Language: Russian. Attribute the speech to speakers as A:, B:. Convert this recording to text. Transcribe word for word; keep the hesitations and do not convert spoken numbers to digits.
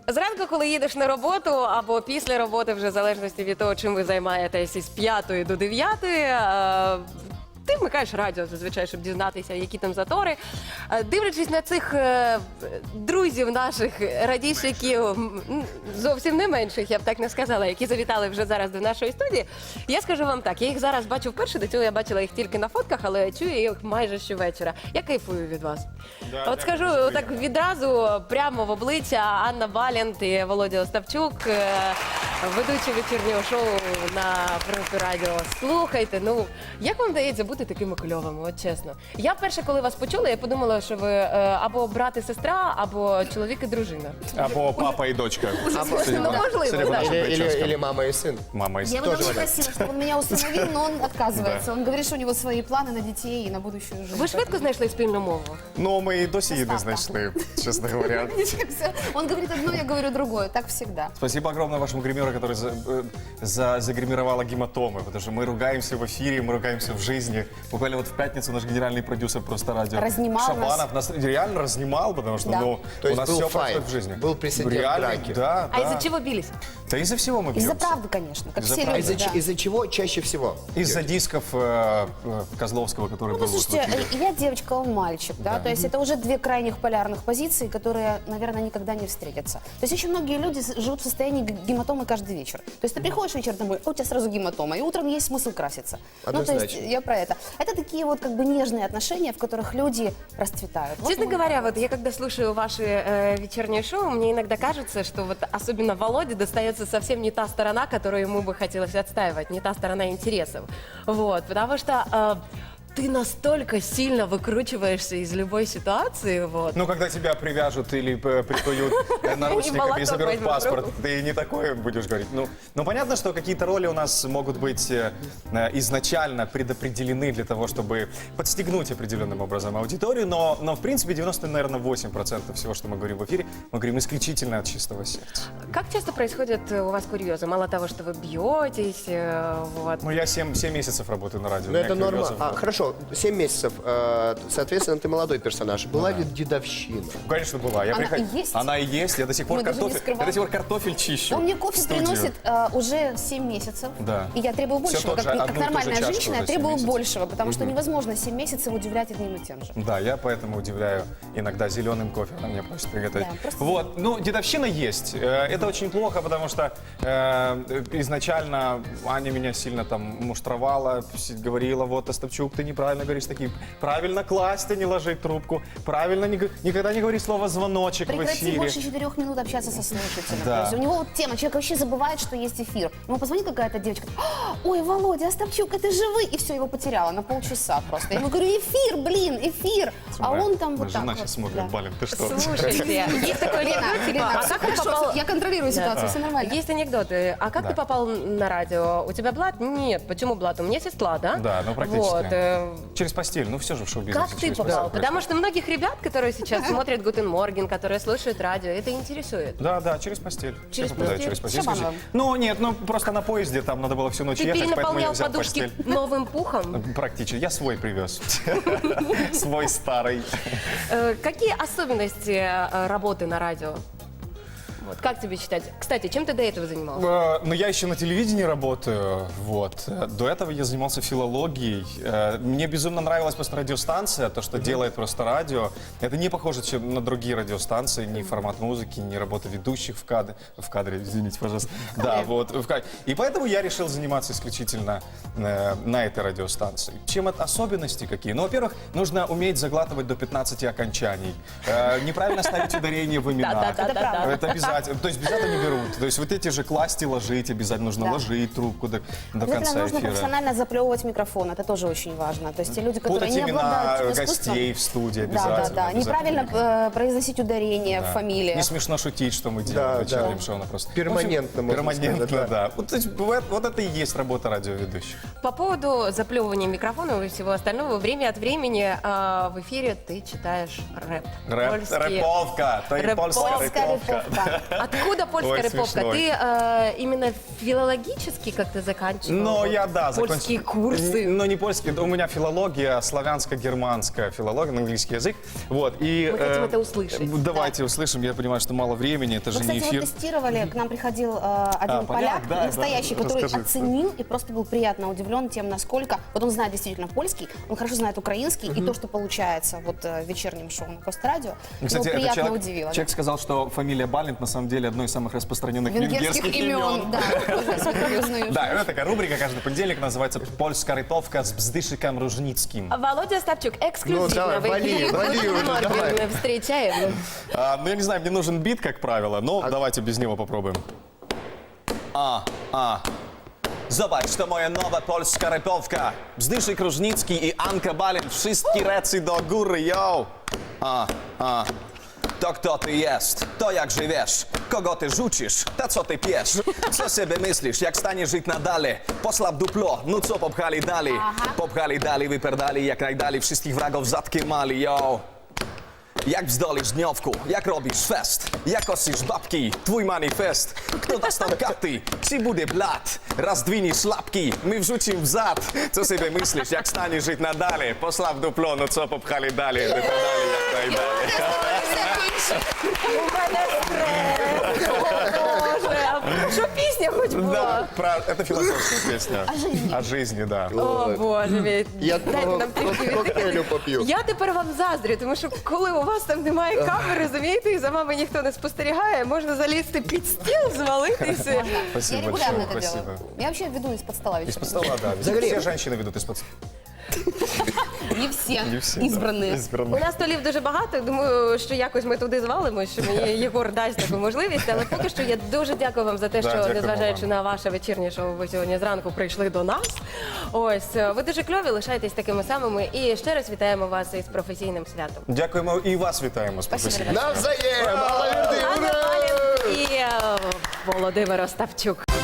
A: Зранку, коли їдеш на роботу або після роботи, вже в залежності від того, чим ви займаєтесь із п'ятої до дев'ятої, е, ти вмикаєш радіо зазвичай, щоб дізнатися, які там затори. Е, Дивлячись на цих е, друзів наших радійщиків, м, зовсім не менших, я б так не сказала, які завітали вже зараз до нашої студії, я скажу вам так, я їх зараз бачу вперше, до цього я бачила їх тільки на фотках, але чую їх майже щовечора. Я кайфую від вас.
B: Да,
A: От скажу так відразу, прямо в обличчя, Анна Балент і Володя Остапчук, е, ведучі вечірнього шоу на Принципі Радіо. Слухайте, ну, як вам вдається бути такими кльовими, от чесно. Я перше, коли вас почула, я подумала, що ви е, або брат і сестра, або чоловік і дружина.
B: Або папа и дочка.
A: Ну,
B: Судя по-
A: можливо,
B: судя по
A: да.
B: нашим
C: Или, или,
B: прическам.
C: или мама и сын.
B: Мама и
D: Я
B: сын.
D: бы давно
B: Тоже.
D: просила, чтобы он меня усыновил, но он отказывается. Он говорит, что у него свои планы на детей и на будущую жизнь.
A: Ви швидко знайшли спільну мову?
B: Ну, мы и досі її не
D: Доставка.
B: знайшли, честно говоря.
D: Он говорит одно, я говорю другое. Так всегда.
B: Спасибо огромное вашему гримеру, который за, э, за, загримировала гематомы, потому что мы ругаемся в эфире, мы ругаемся в жизни. Буквально вот в пятницу наш генеральный продюсер просто радио
D: Разнимал
B: Шабанов нас реально разнимал, потому что
D: Да.
B: ну,
C: То
B: у
C: есть
B: нас
C: был
B: все
C: файт,
B: происходит в жизни.
C: был прецедент
B: Реально,
C: драки.
B: Да,
A: А
B: да.
A: із-за чого білись?
B: Да из-за всего мы
D: Из-за
B: бьемся.
D: правды, конечно, как
B: Из-за
D: все
B: правды.
D: люди.
C: Из-за,
D: да.
C: ч- из-за чего чаще всего?
B: Из-за дисков э, э, Козловского, который
D: Ну,
B: был вот в
D: слушайте,
B: эфире.
D: я девочка, он мальчик, да,
B: Да.
D: то есть это уже две крайних полярных позиции, которые, наверное, никогда не встретятся. То есть очень многие люди с- живут в состоянии г- гематомы каждый вечер. То есть ты приходишь вечером домой, а у тебя сразу гематома, и утром есть смысл краситься. Ну, то есть
C: Однозначно.
D: я про это. Это такие вот как бы нежные отношения, в которых люди расцветают. Вот
A: Честно
D: мы-
A: говоря, вот я когда слушаю ваши э, вечерние шоу, мне иногда кажется, что вот особенно Володе достается совсем не та сторона, которую ему бы хотелось отстаивать, не та сторона интересов. Вот, потому что э, ты настолько сильно выкручиваешься из любой ситуации, вот.
B: Ну, когда тебя привяжут или э, прикуют э, наручниками
A: молоток
B: и заберут
A: возьмут в
B: паспорт,
A: руку.
B: ты не такое будешь говорить. Ну, ну, понятно, что какие-то роли у нас могут быть э, э, изначально предопределены для того, чтобы подстегнуть определенным образом аудиторию, но, но в принципе, девяносто, наверное, восемь процентов всего, что мы говорим в эфире, мы говорим исключительно от чистого сердца.
A: Как часто происходят э, у вас курьезы? Мало того, что вы бьетесь, э, вот.
B: Ну, я семь месяцев работаю на радио.
C: Ну,
B: у меня
C: это норма.
B: курьезов,
C: А,
B: да.
C: хорошо, семь месяцев. э, Соответственно, ты молодой персонаж. Была ли дедовщина?
B: Ну, конечно, была. Я
D: Она
B: приход-
D: и есть?
B: Она и есть. Я до сих пор
D: Мы даже не
B: картофель, я
D: скрываем.
B: до сих пор картофель чищу.
D: Он мне
B: в
D: кофе
B: студию.
D: приносит э, уже семь месяцев.
B: Да.
D: И я требую
B: Всё
D: большего.
B: тот
D: Как,
B: же,
D: как
B: одну и ту же
D: нормальная
B: чашку
D: женщина, я
B: уже семь
D: требую
B: месяцев.
D: большего, потому что невозможно семь месяцев удивлять одним и тем же.
B: Да, я поэтому удивляю иногда зеленым кофе, она мне просит приготовить.
D: Да, просто-
B: Вот, ну, дедовщина есть. Э, Это очень плохо, потому что э, изначально Аня меня сильно там муштровала, с- говорила, вот, Остапчук, ты неправильно говоришь такие, правильно класть, а не ложить трубку, правильно не г- никогда не говори слово звоночек в
D: Прекрати
B: эфире.
D: больше четырех минут общаться со слушателем.
B: Да.
D: То есть у него вот тема, человек вообще забывает, что есть эфир. Ему позвонит какая-то девочка, «А, ой, Володя, Остапчук, это же вы!» И все, его потеряла на полчаса просто. Я ему говорю, эфир, блин, эфир! А
B: Моя-
D: он там
B: моя
D: вот так
B: жена
D: вот.
B: сейчас смотрит,
D: Да.
B: Балин, ты что?
A: Слушайте, есть такой
D: Лена,
A: анекдот, типа,
D: Лена,
A: а
D: все
A: как ты
D: хорошо,
A: попал...
D: я контролирую ситуацию, все нормально.
A: Есть анекдоты. А как
B: Да.
A: ты попал на радио? У тебя блат? Нет. Почему блат? У меня есть сестла, да?
B: Да, ну, практически.
A: Вот. э,
B: Через постель, ну все же в шоу-бизнесе.
A: Как ты
B: через
A: попал?
B: постель
A: Потому
B: происходит.
A: что многих ребят, которые сейчас смотрят Гутен Морген, которые слушают радио, это интересует.
B: Да, да, через постель. Все
A: Через
B: попадают
A: постель?
B: через постель.
D: Шабанова.
B: Ну, нет, ну просто на поезде там надо было всю ночь
A: Ты
B: ехать, поэтому я
A: перенаполнял
B: взял
A: подушки
B: постель.
A: новым пухом?
B: Практически. Я свой привез. Свой старый.
A: Э, Какие особенности э, работы на радио? Вот, как тебе считать? Кстати, чем ты до этого занимался?
B: Э, Но я еще на телевидении работаю, вот. Э, До этого я занимался филологией. Э, Мне безумно нравилась просто радиостанция, то, что делает просто радио. Это не похоже чем на другие радиостанции, ни формат музыки, ни работа ведущих в кадре. В кадре, извините, пожалуйста. Да, вот. в кадре. И поэтому я решил заниматься исключительно э, на этой радиостанции. Чем это особенности какие? Ну, во-первых, нужно уметь заглатывать до пятнадцати окончаний. Э, Неправильно ставить ударение в именах.
A: Да-да-да-да-да.
B: Это обязательно. То есть без этого не берут. То есть вот эти же класть и ложить обязательно нужно
D: Да.
B: ложить трубку до, до
D: Обязательно
B: конца
D: нужно
B: эфира.
D: профессионально заплевывать микрофон, это тоже очень важно. То есть те люди, которые
B: Путать
D: не
B: имена
D: обладают этим искусством...
B: гостей в студии
D: Да,
B: обязательно.
D: да, да.
B: обязательно.
D: Неправильно э, произносить ударение
B: Да.
D: в фамилиях.
B: Не смешно шутить, что мы
C: Да,
B: делаем в
C: да.
B: вечернем шоу. она просто...
C: Перманентно,
B: В общем,
C: можно
B: Перманентно,
C: сказать, да.
B: да. Вот, то есть, вот, вот это и есть работа радиоведущих.
A: По поводу заплевывания микрофона и всего остального, время от времени э, в эфире ты читаешь рэп.
B: Рэп,
A: Польский.
B: рэповка, то и польская
A: Рэповка,
B: рэповка.
D: рэповка.
A: Откуда польская
B: Ой,
A: рыповка?
B: смешной.
A: Ты э, именно филологически как-то заканчивал?
B: Но
A: Вот
B: я, да,
A: Польские
B: закончил-
A: курсы.
B: Н- Но не польский, у меня филология, славянско-германская филология, на английский язык. Вот, и,
A: Мы хотим
B: э,
A: это услышать.
B: Давайте услышим, я понимаю, что мало времени, это
D: Мы,
B: же не
D: кстати,
B: эфир.
D: вот тестировали, к нам приходил э, один
B: А,
D: поляк,
B: поляк, да,
D: настоящий,
B: да,
D: который
B: расскажите.
D: оценил и просто был приятно удивлен тем, насколько, вот он знает действительно польский, он хорошо знает украинский, и то, что получается вот э, в вечернем шоу на Просто радио,
B: Кстати,
D: его
B: этот
D: приятно
B: человек,
D: удивило.
B: человек сказал, что фамилия Балент на самом деле одно из самых распространенных
D: Венгерских,
B: венгерских
D: имен,
B: имен.
D: да, тоже смотрю, узнаю.
B: Да, это такая рубрика каждый понедельник, называется «Польская ритовка с Бздышиком Ружницким».
A: Володя Остапчук, эксклюзивно
C: Ну, давай,
A: в эфире
C: вали, вали уже,
A: Морган
C: давай.
A: встречаем.
B: А, ну, я не знаю, мне нужен бит, как правило, но давайте без него попробуем. А, а. Zobacz, to moja nowa polska repowka. Bzdyszyk Różnicki i Anka Balint, wszystkie recy do góry, yo! A, a. To kto ty jest? To jak żyjesz? Kogo ty rzucisz? To co ty piesz? Co sobie myślisz, jak staniesz żyć nadal? Poslab duplo, no co popchali dalej? Popchali dalej, wyperdali jak najdalej, wszystkich wragów zatkie mali, yo! Jak wzdolisz dniowku, jak robisz fest, jak osisz babki, twój manifest. Kto da tam katy, ksi bude blat, raz dwinisz łapki, my wrzucim w zad. Co sobie myślisz, jak staniesz żyć nadal? Poslaw duplo, no co popchali dalej, wyperdali jak najdalej.
A: У мене стрес. О, Боже, а що пісня хоч
B: Да,
A: була?
B: про... это философская песня.
D: О жизни.
B: О жизни, да.
A: О, Боже мій.
C: Я
A: Дайте нам трішки
C: коктейлю
A: віддихати.
C: поп'ю.
A: Я тепер вам заздрю, тому що коли у вас там немає камери, розумієте, і за вами ніхто не спостерігає, можна залізти під стіл, звалитися.
D: Я
B: Спасибо
D: регулярно
B: большое,
D: это
B: спасибо.
D: делаю. Я вообще веду из-под стола вечером.
B: Из-под стола, да.
C: Загрей.
B: Все женщины ведут из-под стола.
D: Не все,
B: Не все,
D: избранные.
B: Да.
A: У
B: Избранные.
A: нас столів дуже багато. Думаю, що якось ми туди звалимо, що мені Єгор дасть таку можливість. Але поки що я дуже дякую вам за те,
B: Да,
A: що
B: дякуємо
A: незважаючи
B: вам.
A: на ваше вечірнє шоу, ви сьогодні зранку прийшли до нас. Ось ви дуже кльові, лишайтесь такими самими. І ще раз вітаємо вас із професійним святом.
B: Дякуємо і вас вітаємо з
A: Спасибо,
B: професійним.
C: Навзаєм! Алла Верди,
A: Анна
C: ура!
A: Балін і е, Володимир Остапчук.